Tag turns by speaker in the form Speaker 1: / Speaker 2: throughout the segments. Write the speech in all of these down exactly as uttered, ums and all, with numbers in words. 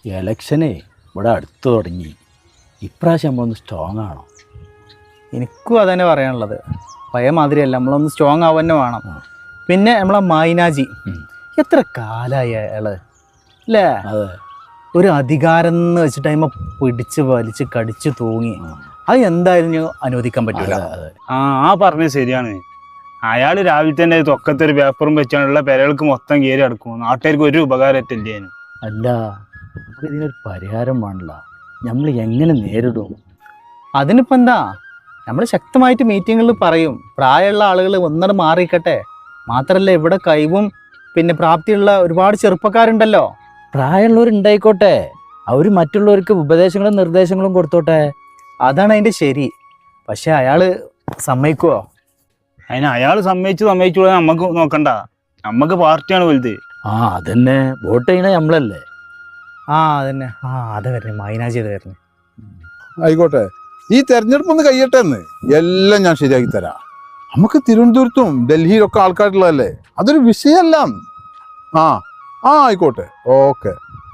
Speaker 1: എലക്ഷനെ ഇവിടെ അടുത്ത് തുടങ്ങി. ഇപ്രാവശ്യം നമ്മളൊന്ന് സ്ട്രോങ് ആണോ?
Speaker 2: എനിക്കും അതന്നെ പറയാനുള്ളത്. പഴയ മാതിരിയല്ല, നമ്മളൊന്ന് സ്ട്രോങ് ആവുക തന്നെ വേണം. പിന്നെ നമ്മളെ മൈനാജി എത്ര കാലമായി അയാള് അല്ലേ?
Speaker 1: അതെ,
Speaker 2: ഒരു അധികാരം എന്ന് വെച്ചിട്ട് അതിമ പിടിച്ച് വലിച്ച് കടിച്ച് തൂങ്ങി. അത് എന്തായാലും ഞാൻ അനുവദിക്കാൻ പറ്റില്ല.
Speaker 3: ആ ആ പറഞ്ഞത് ശരിയാണ്. അയാൾ രാവിലെ തന്നെ തൊക്കത്തൊരു പേപ്പറും വെച്ചാണുള്ള പെരകൾക്ക് മൊത്തം കയറി അടക്കും. നാട്ടുകാർക്ക് ഒരു ഉപകാരത്തില്ലേ.
Speaker 1: അല്ല, നമുക്ക് ഇതിനൊരു പരിഹാരം വേണല്ല. നമ്മൾ എങ്ങനെ നേരിടും?
Speaker 2: അതിനിപ്പോൾ എന്താ, നമ്മൾ ശക്തമായിട്ട് മീറ്റിങ്ങുകളിൽ പറയും. പ്രായമുള്ള ആളുകൾ ഒന്നട മാറിയിക്കട്ടെ. മാത്രമല്ല, ഇവിടെ കഴിവും പിന്നെ പ്രാപ്തിയുള്ള ഒരുപാട് ചെറുപ്പക്കാരുണ്ടല്ലോ.
Speaker 1: പ്രായമുള്ളവരുണ്ടായിക്കോട്ടെ, അവർ മറ്റുള്ളവർക്ക് ഉപദേശങ്ങളും നിർദ്ദേശങ്ങളും കൊടുത്തോട്ടെ.
Speaker 2: അതാണ് അതിൻ്റെ ശരി. പക്ഷെ അയാൾ സമ്മതിക്കുമോ?
Speaker 3: അതിന് അയാൾ സമ്മതിച്ചു സമ്മതിച്ചു നമുക്ക് നോക്കണ്ട. നമുക്ക് പാർട്ടിയാണ് വലുത്.
Speaker 1: ആ അതന്നെ, വോട്ട് ചെയ്യണ നമ്മളല്ലേ.
Speaker 2: ആ അതന്നെ. ആ അതെ വരണേ, മൈനാജി അത് വരണേ.
Speaker 4: ആയിക്കോട്ടെ, ഈ തെരഞ്ഞെടുപ്പ് ഒന്ന് കഴിയട്ടെ എന്ന് എല്ലാം ഞാൻ ശരിയാക്കി തരാം. നമുക്ക് തിരുവനന്തപുരത്തും ഡൽഹിയിലൊക്കെ ആൾക്കാരുള്ളതല്ലേ, അതൊരു വിഷയമല്ല. ആ ആ ആയിക്കോട്ടെ, ഓക്കെ.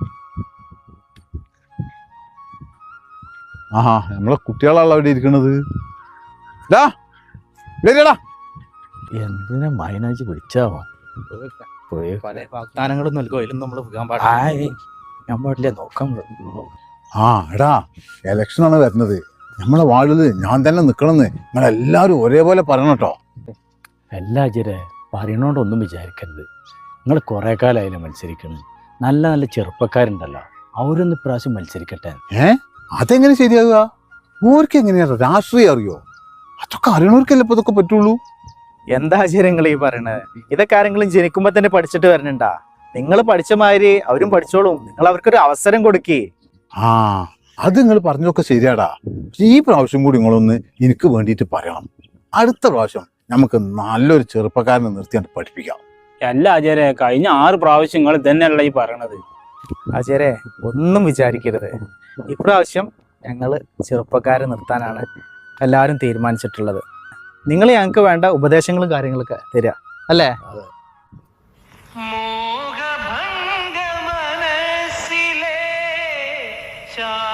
Speaker 4: ആഹാ, നമ്മളെ കുട്ടികളാണല്ലോ അവിടെ ഇരിക്കണത്. ഡാ ഡാ
Speaker 1: എന്തിനാ മൈനാജി വിളിച്ചാവോ?
Speaker 2: പല വാഗ്ദാനങ്ങളും നൽകും, അതിലും നമ്മൾ പോകാൻ പാടില്ല.
Speaker 1: ഞാൻ പാടില്ല, നോക്കാൻ.
Speaker 4: ആ എടാ, എലക്ഷനാണ് വരുന്നത്. നമ്മളെ വാർഡിൽ ഞാൻ തന്നെ നിൽക്കണമെന്ന് നിങ്ങളെല്ലാവരും ഒരേപോലെ പറയണം കേട്ടോ.
Speaker 1: എല്ലാ അജരെ പറയണോണ്ടൊന്നും വിചാരിക്കരുത്. നിങ്ങൾ കുറേ കാലമായില്ലേ മത്സരിക്കണം. നല്ല നല്ല ചെറുപ്പക്കാരുണ്ടല്ലോ, അവരൊന്ന് ഇപ്രാവശ്യം മത്സരിക്കട്ടെ.
Speaker 4: ഏ അതെങ്ങനെ ശരിയാകുക? ഓർക്ക് എങ്ങനെയാ രാഷ്ട്രീയം അറിയോ? അതൊക്കെ അറിയണവർക്കല്ലേ ഇപ്പൊ ഇതൊക്കെ പറ്റുള്ളൂ.
Speaker 2: എന്താ ആചാര്യങ്ങൾ ഈ പറയണത്? ഇതൊക്കെ ആരെങ്കിലും ജനിക്കുമ്പോ തന്നെ പഠിച്ചിട്ട് വരണണ്ടാ? നിങ്ങൾ പഠിച്ച മാതിരി അവരും പഠിച്ചോളും. നിങ്ങൾ അവർക്കൊരു അവസരം കൊടുക്കേ.
Speaker 4: ആ അത് നിങ്ങൾ പറഞ്ഞൊക്കെ ശരിയാടാ. ഈ പ്രാവശ്യം കൂടി നിങ്ങളൊന്ന് എനിക്ക് വേണ്ടിയിട്ട് പറയണം. അടുത്ത പ്രാവശ്യം നമുക്ക് നല്ലൊരു ചെറുപ്പക്കാരനെ നിർത്തിയാണ്ട് പഠിപ്പിക്കാം.
Speaker 3: അല്ല ആചാര്യ, കഴിഞ്ഞ ആറ് പ്രാവശ്യം നിങ്ങൾ തന്നെയല്ല ഈ പറയണത്.
Speaker 2: ആചാര്യ ഒന്നും വിചാരിക്കരുത്. ഇപ്രാവശ്യം ഞങ്ങൾ ചെറുപ്പക്കാരെ നിർത്താനാണ് എല്ലാവരും തീരുമാനിച്ചിട്ടുള്ളത്. നിങ്ങൾ ഞങ്ങൾക്ക് വേണ്ട ഉപദേശങ്ങളും കാര്യങ്ങളൊക്കെ തരിക അല്ലേ?
Speaker 5: മോഹഭംഗ മനസ്സിലെ